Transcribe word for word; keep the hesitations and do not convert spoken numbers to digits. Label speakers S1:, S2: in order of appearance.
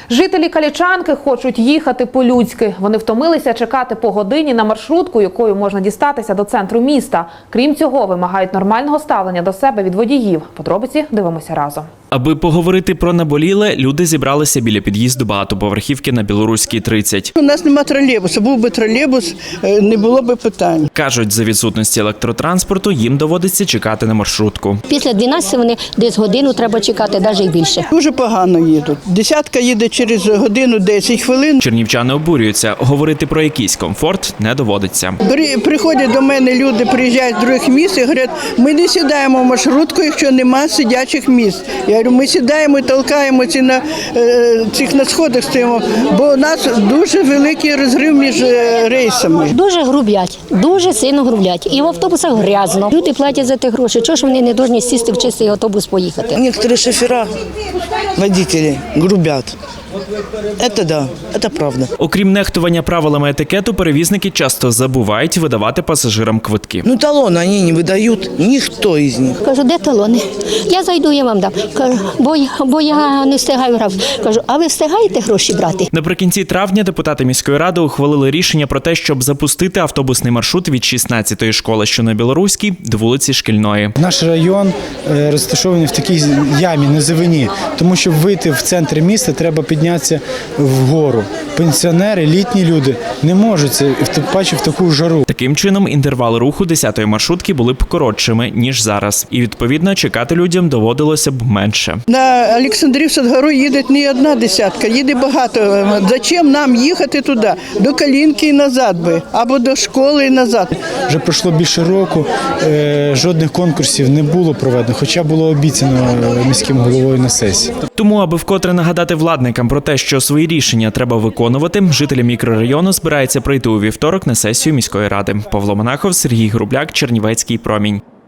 S1: Жителі Калічанки хочуть їхати по-людськи. Вони втомилися чекати по годині на маршрутку, якою можна дістатися до центру міста. Крім цього, вимагають нормального ставлення до себе від водіїв. Подробиці дивимося разом.
S2: Аби поговорити про наболіле, люди зібралися біля під'їзду багатоповерхівки на Білоруській, тридцять.
S3: У нас немає тролейбуса. Був би тролейбус, не було б питань.
S2: Кажуть, за відсутності електротранспорту їм доводиться чекати на маршрутку.
S4: Після дванадцяти вони десь годину треба чекати, навіть і більше.
S3: Дуже погано їдуть. Десятка їде через годину десять хвилин.
S2: Чернівчани обурюються. Говорити про якийсь комфорт не доводиться.
S3: При, приходять до мене люди, приїжджають з других міст і говорять, ми не сідаємо в маршрутку, якщо немає сидячих місць. Я говорю, ми сідаємо і толкаємося на е, цих на сходах стоїмо, бо у нас дуже великий розрив між е, рейсами.
S4: Дуже грублять, дуже сильно грублять. І в автобусах грязно. Люди платять за ті гроші. Чого ж вони не повинні сісти в чистий автобус поїхати?
S5: Некоторые шофера, водители грубят. Это да, это правда.
S2: Окрім нехтування правилами етикету, перевізники часто забувають видавати пасажирам квитки.
S5: Ну талоны они не выдают, никто из них.
S4: Кажу, де талони? Я зайду, я вам дам. Кажу, бо, я- бо я не встигаю грати. Кажу, а ви встигаєте гроші брати?
S2: Наприкінці травня депутати міської ради ухвалили рішення про те, щоб запустити автобусний маршрут від шістнадцятої школи, що на Білоруській, до вулиці Шкільної.
S6: Наш район е, розташований в такій ямі, низовині, тому щоб вийти в центр міста, треба піднятися вгору. Пенсіонери, літні люди не можуть це, тим паче в таку жару.
S2: Таким чином, інтервали руху десятої маршрутки були б коротшими, ніж зараз. І, відповідно, чекати людям доводилося б менше.
S3: На Олександрів Садгору їде не одна десятка, їде багато. Зачем нам їхати туди? До Калінки і назад би, або до школи і назад.
S6: Вже пройшло більше року, е, жодних конкурсів не було проведено, хоча було обіцяно міським головою на сесії.
S2: Тому, аби вкотре нагадати владникам про те, що свої рішення треба виконувати, жителі мікрорайону збираються прийти у вівторок на сесію міської ради. Павло Монахов, Сергій Грубляк, Чернівецький промінь.